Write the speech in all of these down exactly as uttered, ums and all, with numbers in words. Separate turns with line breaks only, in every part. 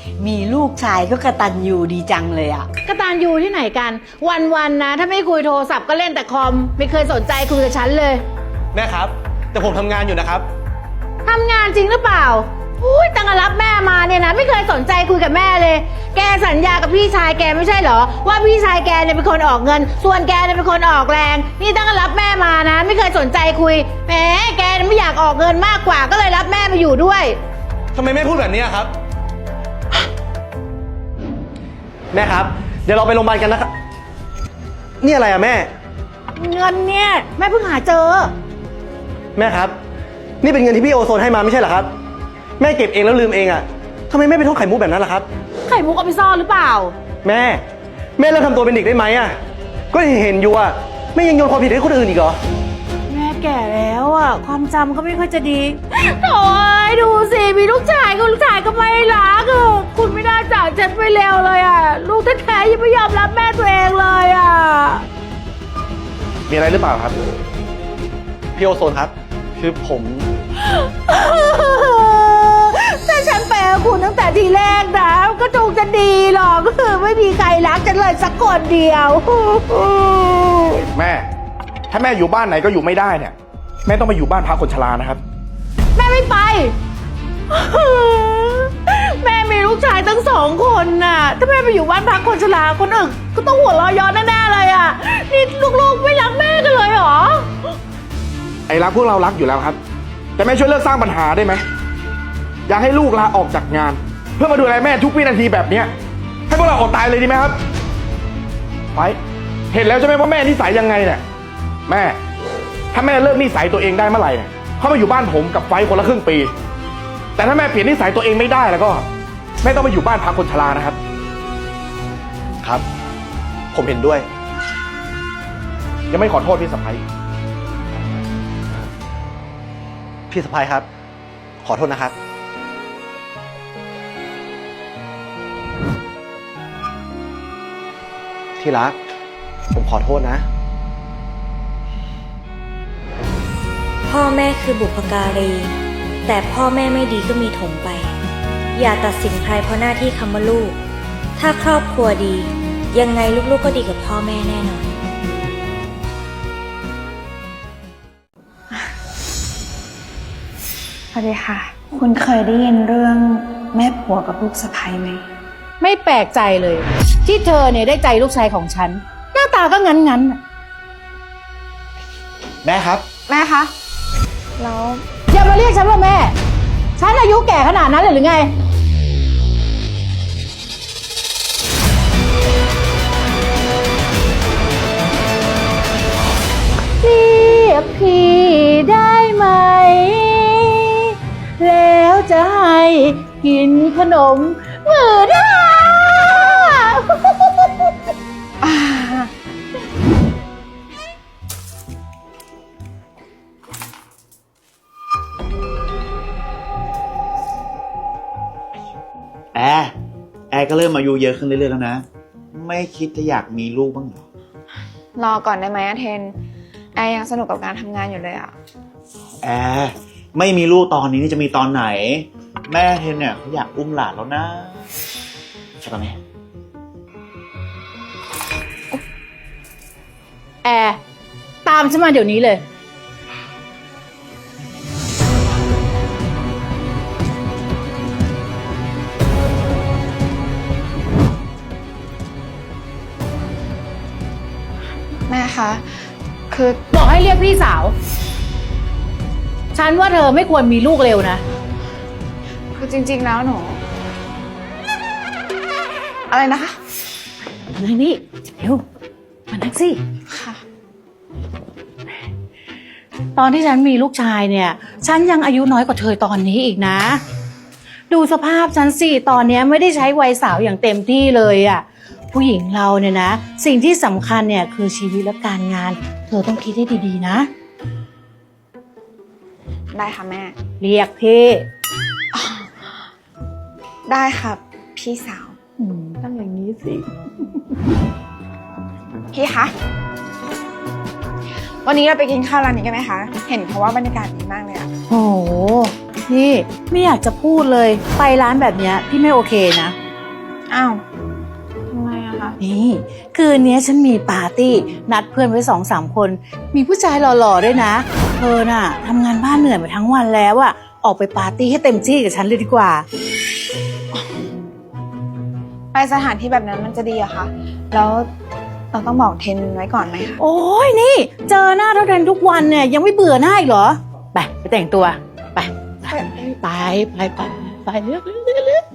มีลูกชายก็กระตันยูดีจังเลยอะ
กตัญญูที่ไหนกันวันๆนะถ้าไม่คุยโทรศัพท์ก็เล่นแต่คอมไม่เคยสนใจคุยกับฉันเลย
แม่ครับ แต่ผมทำงานอยู่นะครับ
ทำงานจริงหรือเปล่าอุ้ยตั้งแต่รับแม่มาเนี่ยนะไม่เคยสนใจคุยกับแม่เลยแกสัญญากับพี่ชายแกไม่ใช่เหรอว่าพี่ชายแกเนี่ยเป็นคนออกเงินส่วนแกเนี่ยเป็นคนออกแรงนี่ตั้งแต่รับแม่มานะไม่เคยสนใจคุยแหมแกไม่อยากออกเงินมากกว่าก็เลยรับแม่มาอยู่ด้วย
ทำไมแม่พูดแบบนี้ครับ แม่ครับ เดี๋ยวเราไปโรงพยาบาลกันนะครับ นี่อะไรอะแม่
เงินเนี่ยแม่เพิ่งหาเจอ
แม่ครับ นี่เป็นเงินที่พี่โอโซนให้มาไม่ใช่เหรอครับ แม่เก็บเองแล้วลืมเองอะทำไมแม่ไปท่องไข่มุกแบบนั้นล่ะครับ
ไข่มุกเอาไปซ่อนหรือเปล่า
แม่ แม่เลิกทำตัวเป็นเด็กได้ไหมอะก็เห็นอยู่อะแม่ยังโยนความผิดให้คนอื่นอีกเหรอ
แม่แก่แล้วอ่ะความจำก็ไม่ค่อยจะดีโถ่ดูสิมีลูกชายก็ลูกชายก็ไม่รักอ่ะคุณไม่น่าจากฉันไปเร็วเลยอ่ะลูกแท้ๆยังไม่ยอมรับแม่ตัวเองเลยอ่ะ
มีอะไรหรือเปล่าครับพี่โอโซนครับคือผม
ถ้าฉันไปกับคุณตั้งแต่ทีแรกนะก็คงจะดีหรอกก็คือไม่มีใครรักฉันเลยสักคนเดียว
แม่ถ้าแม่อยู่บ้านไหนก็อยู่ไม่ได้เนี่ยแม่ต้องมาอยู่บ้านพักคนชรานะครับ
แม่ไม่ไปแม่มีลูกชายตั้งสองคนน่ะถ้าแม่ไปอยู่บ้านพักคนชราคนอื่นก็ต้องหัวเราะย้อนแน่ๆเลยอ่ะนี่ลูกๆไม่รักแม่กันเลยเหรอ
ไอ้รักพวกเรารักอยู่แล้วครับแต่แม่ช่วยเลิกสร้างปัญหาได้ไหมอยากให้ลูกลาออกจากงานเพื่อมาดูแลแม่ทุกวินาทีแบบเนี้ยให้พวกเราอดตายเลยดีไหมครับไปเห็นแล้วใช่ไหมว่าแม่นิสัยยังไงเนี่ยแม่ถ้าแม่เลิกนิสัยตัวเองได้เมื่อไหร่เนี่ยเข้ามาอยู่บ้านผมกับไฟคนละครึ่งปีแต่ถ้าแม่เปลี่ยนนิสัยตัวเองไม่ได้แล้วก็แม่ต้องมาอยู่บ้านพักคนชรานะครับ
ครับผมเห็นด้วย
ยังไม่ขอโทษพี่สะใภ้
พี่สะใภ้ครับขอโทษนะครับที่รักผมขอโทษนะ
พ่อแม่คือบุพการีแต่พ่อแม่ไม่ดีก็มีถมไปอย่าตัดสินใครเพราะหน้าที่คำว่าลูกถ้าครอบครัวดียังไงลูกๆก็ดีกับพ่อแม่แน่นอน
สวัสดีค่ะ คุณเคยได้ยินเรื่องแม่ผัวกับลูกสะใภ้ไหม
ไม่แปลกใจเลยที่เธอเนี่ยได้ใจลูกชายของฉันหน้าตาก็งั้นๆ
แม่ครับ
แม่คะแล้ว
อย่ามาเรียกฉันว่าแม่ฉันอายุแก่ขนาดนั้นเลยหรือไงเรียกพี่ได้ไหมแล้วจะให้กินขนมมือได้
แอร์แอร์ก็เริ่มอายุเยอะขึ้นเรื่อยๆแล้วนะไม่คิดจะอยากมีลูกบ้างเหรอ
รอก่อนได้ไหมอะเทนแอร์ยังสนุกกับการทำงานอยู่เลยอะ
แอร์ไม่มีลูกตอนนี้นี่จะมีตอนไหนแม่เทนเนี่ยเขาอยากอุ้มหลานแล้วนะใช่ป่ะแม่
แอร์ตามฉันมาเดี๋ยวนี้เลย
แม่คะคือ
บอกให้เรียกพี่สาวฉันว่าเธอไม่ควรมีลูกเร็วนะ
คือจริงๆแล้วหนูอะไรนะคะ
นั่งนี่เร็วมานั่งสิ
ค่ะ
ตอนที่ฉันมีลูกชายเนี่ยฉันยังอายุน้อยกว่าเธอตอนนี้อีกนะดูสภาพฉันสิตอนนี้ไม่ได้ใช้วัยสาวอย่างเต็มที่เลยอ่ะผู้หญิงเราเนี่ยนะสิ่งที่สำคัญเนี่ยคือชีวิตและการงานเธอต้องคิดให้ดีๆนะ
ได้ค่ะแม่
เรียกพี่
ได้ค่ะพี่สาว
ต้องอย่างนี้สิ
พี่คะวันนี้เราไปกินข้าวร้านนี้กันไหมคะเห็นเพราะว่าบรรยากาศดีมากเลยอะ
โอ้โห
นี่ไม่อยากจะพูดเลยไปร้านแบบเนี้ยพี่ไม่โอเคนะ
อ้าวทำไมอะคะ
นี่คืนนี้ฉันมีปาร์ตี้นัดเพื่อนไว้สองสามคน มีผู้ชายหล่อๆด้วยนะเธอน่ะทำงานบ้านเหนื่อยมาทั้งวันแล้วอะออกไปปาร์ตี้ให้เต็มที่กับฉันเลยดีกว่า
ไปสถานที่แบบนั้นมันจะดีอะคะแล้วเราต้องบอกเทนไว้ก่อนไหมคะ
โอ้ยนี่ เจอหน้าเท่าเดิมทุกวันเนี่ยยังไม่เบื่อหน้าอีกเหรอไปไปแต่งตัวไปไปไปไปไปไปเลือกเลือกเลือกเลือก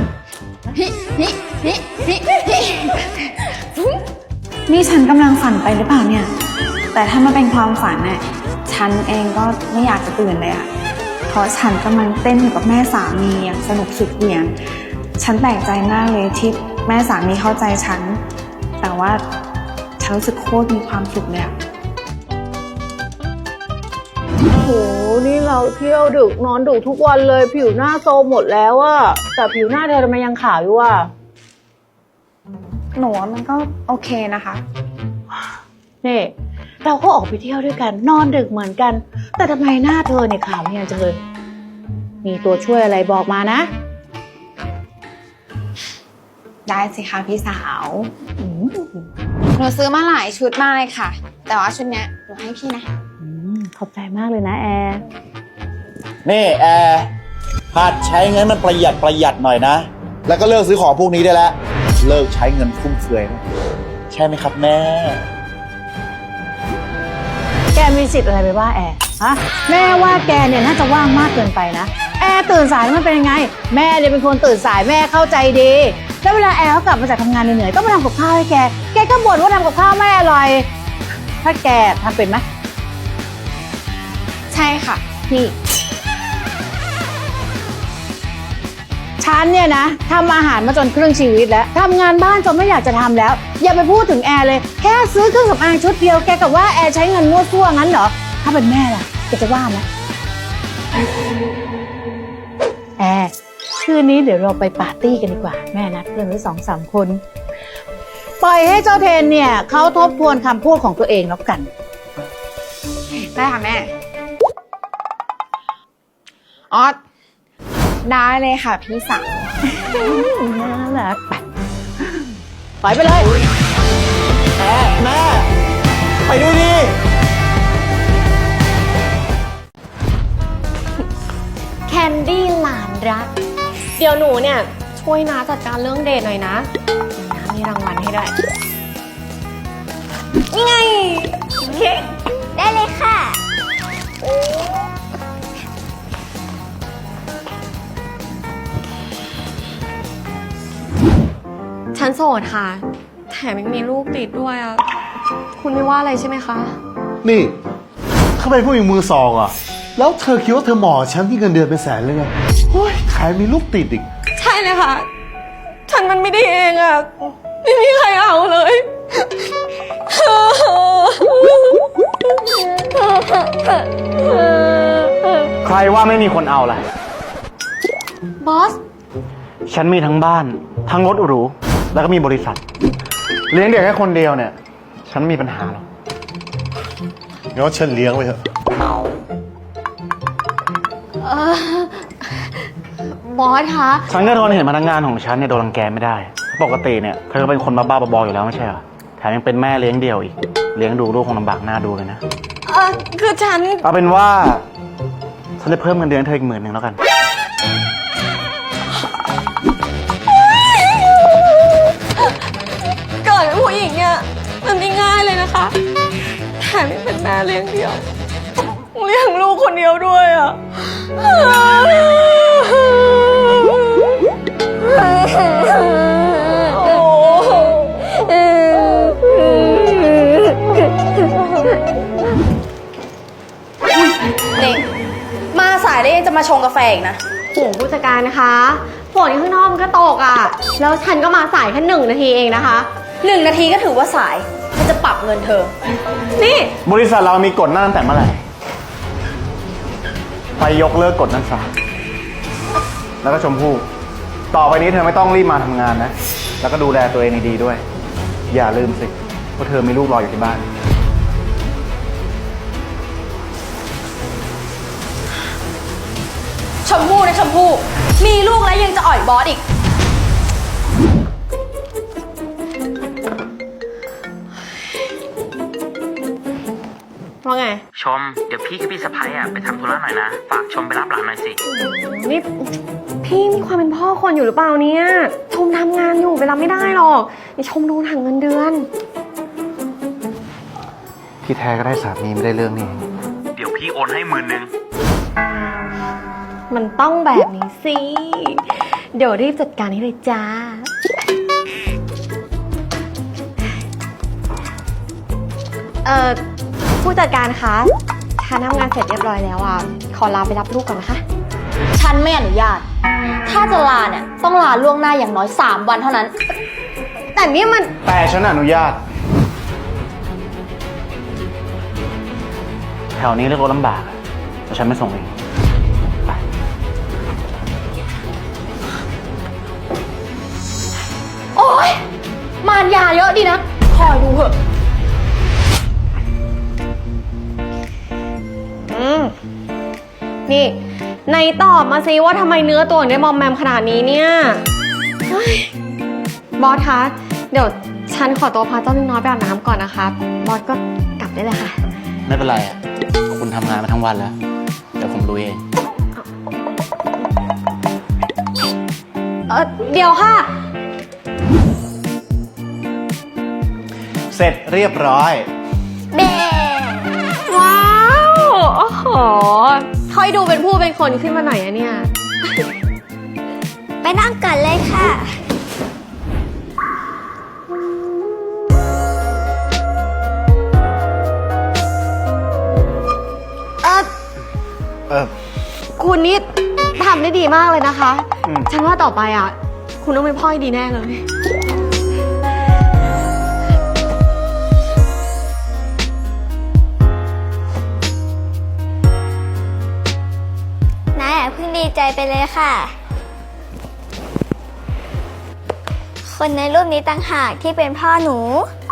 นี่ฉันกำลังฝันไปหรือเปล่าเนี่ย แต่ถ้ามันเป็นความฝันเนี่ยฉันเองก็ไม่อยากจะตื่นเลยอะเพราะฉันกำลังเต้นอยู่กับแม่สามีอย่างสนุกสุดเหวี่ยงฉันแปลกใจมากเลยที่แม่สามีเข้าใจฉัน แต่ว่าฉันรู้สึกโคตรมีความสุขเลยอะ
โอ้โห นี่เราเที่ยวดึกนอนดึกทุกวันเลย ผิวหน้าโซมหมดแล้วอะแต่ผิวหน้าเธอทำไมยังขาวอยู่อะ
หนูว่ามันก็โอเคนะคะ
นี่เราก็ออกไปเที่ยวด้วยกัน นอนดึกเหมือนกัน แต่ทำไมหน้าเธอเนี่ยขาวเนี่ยจังเลย มีตัวช่วยอะไรบอกมานะ
ได้สิคะพี่สาว หนูซื้อมาหลายชุดมากเลยค่ะ แต่ว่าชุดเนี้ยหนูให้พี่นะ
อืมขอบใจมากเลยนะแอร์
นี่แอร์หัดใช้เงินมันประหยัดประหยัดหน่อยนะ แล้วก็เลิกซื้อของพวกนี้ได้แล้ว เลิกใช้เงินฟุ่มเฟือยนะใช่ไหมครับแม่
แกมีสิทธิ์อะไรไปว่าแอร์ฮะแม่ว่าแกเนี่ยน่าจะว่างมากเกินไปนะ แอร์ตื่นสายแล้วมันเป็นยังไง แม่เนี่ยเป็นคนตื่นสายแม่เข้าใจดีแล้วเวลาแอร์เขากลับมาจากทำงานเหนื่อยๆต้องมาทำกับข้าวให้แกแกก็บ่นว่าทำกับข้าวไม่อร่อย ถ้าแกทำเป็นไหม
ใช่ค่ะ พี่
ฉันเนี่ยนะทำอาหารมาจนครึ่งชีวิตแล้วทำงานบ้านจนไม่อยากจะทำแล้ว อย่าไปพูดถึงแอร์เลยแค่ซื้อเครื่องสำอางชุดเดียวแกกับว่าแอร์ใช้เงินมั่วซั่วงั้นเหรอถ้าเป็นแม่ล่ะแกจะว่าไหมแอร์คืนนี้เดี๋ยวเราไปปาร์ตี้กันดีกว่าแม่นัดเพื่อนไว้สองสามคนปล่อยให้เจ้าเทนเนี่ยเขาทบทวนคำพูดของตัวเองแล้วกัน
ได้ค่ะแม่ ออสได้เลยค่ะพี่สาว
น่ารักไปปล่อยไปเลย
แม่แม่ไปด้วยดิ
แคนดี้หลานรัก เดี๋ยวหนูเนี่ยช่วยน้าจัดการเรื่องเดทหน่อยนะน้ามีรางวัลให้ด้วยนี่ไงเค้กได้เลยค่ะ ฉันโสดค่ะ แถมยังมีลูกติดด้วยอ่ะ คุณไม่ว่าอะไรใช่ไหมคะ
นี่ทำไมผู้หญิงมือสองอ่ะ แล้วเธอคิดว่าเธอเหมาะกับฉันที่เงินเดือนเป็นแสนเลยไงโอ้ยขายมีลูกติดอีก
ใช่เลยค่ะ ฉันมันไม่ได้เองอ่ะ ไม่มีใครเอาเลย
ใครว่าไม่มีคนเอาล่ะ
บอส
ฉันมีทั้งบ้าน ทั้งรถหรู แล้วก็มีบริษัท เลี้ยงเด็กแค่คนเดียวเนี่ย ฉันไม่มีปัญหาหรอก
งั้นว่าฉันเลี้ยงไว้เถอะ
เออ บอสคะ
ฉันก็ทนเห็นพนักงานของฉันเนี่ยโดนรังแกไม่ได้ ปกติเนี่ยเธอก็เป็นคนบ้าๆบอๆอยู่แล้วไม่ใช่เหรอ แถมยังเป็นแม่เลี้ยงเดี่ยวอีก เลี้ยงดูลูกคงลำบากหน้าดูเลยนะ
เออคือฉัน
เอาเป็นว่า ฉันจะเพิ่มเงินเดือนให้เธออีกหมื่นหนึ่งแล้วกัน
เกิดเป็นผู้หญิงเนี่ยมันไม่ง่ายเลยนะคะ แถมยังเป็นแม่เลี้ยงเดี่ยว เลี้ยงลูกคนเดียวด้วยอ่ะ
นี่มาสายแล้วยังจะมาชงกาแฟอีกนะ
โอ้ผู้จัดการนะคะฝนข้างนอกมันก็ตกอ่ะ แล้วฉันก็มาสายแค่หนึ่งนาทีเองนะคะ
หนึ่งนาทีก็ถือว่าสายฉันจะปรับเงินเธอ
นี่
บริษัทเรามีกฎนั่นตั้งแต่เมื่อไหร่ ไปยกเลิกกฎนั้นซะ แล้วก็ชมพู่ ต่อไปนี้เธอไม่ต้องรีบมาทำงานนะ แล้วก็ดูแลตัวเองดีๆด้วย อย่าลืมสิว่าเธอมีลูกรออยู่ที่บ้าน
ช
มพู่นะชมพู่มีลูกแล้วยังจะอ่อยบอสอีก
ว่าไง
ชม เดี๋ยวพี่กับพี่สะพ้ายอ่ะไปทำธุระหน่อยนะ ฝากชมไปรับหลานหน่อยสิ
นี่พี่มีความเป็นพ่อคนอยู่หรือเปล่าเนี่ย ชมทำงานอยู่ไปรับไม่ได้หรอกนี่ชมโดนหักเงินเดือน
ที่แท้ก็ได้สามีไม่ได้เรื่องนี่เอง
เดี๋ยวพี่โอนให้หมื่นหนึ่ง
มันต้องแบบนี้สิ เดี๋ยวรีบจัดการให้เลยจ้า เอ่อ ผู้จัดการคะฉันทำงานเสร็จเรียบร้อยแล้วอ่ะ ขอลาไปรับลูกก่อนนะคะ
ฉันไม่อนุญาต ถ้าจะลาเนี่ยต้องลาล่วงหน้าอย่างน้อยสามวันเท่านั้น
แต่นี่มัน
แต่ฉันอนุญาต แถวนี้เรียกรถลำบากอะแต่ฉันไม่ส่งเอง ไป
โอ๊ย มารยาเยอะดีนะ คอยดูเถอะ
อืม นี่ในตอบมาซิว่าทำไมเนื้อตัวถึงได้มอมแมมขนาดนี้เนี่ยเฮ้ยบอสคะ เดี๋ยวฉันขอตัวพาเจ้าลิงน้อยไปอาบน้ำก่อนนะคะ บอสก็กลับได้เลยค่ะ
ไม่เป็นไรอ่ะ คุณทำงานมาทั้งวันแล้ว เดี๋ยวผมลุยเอง
เออเดี๋ยวค่ะ
เสร็จเรียบร้อย
เบ้
ว้าว โอ้โหค่อยดูเป็นผู้เป็นคนขึ้นมาหน่อยอะเนี่ย
ไปนั่งก่อนเลยค่ะ
เออ
เออ
คุณนี่ทำได้ดีมากเลยนะคะ
อืม
ฉันว่าต่อไปอ่ะ คุณต้องเป็นพ่อที่ดีแน่เลย
นายอย่าเพิ่งดีใจไปเลยค่ะ คนในรูปนี้ต่างหากที่เป็นพ่อหนู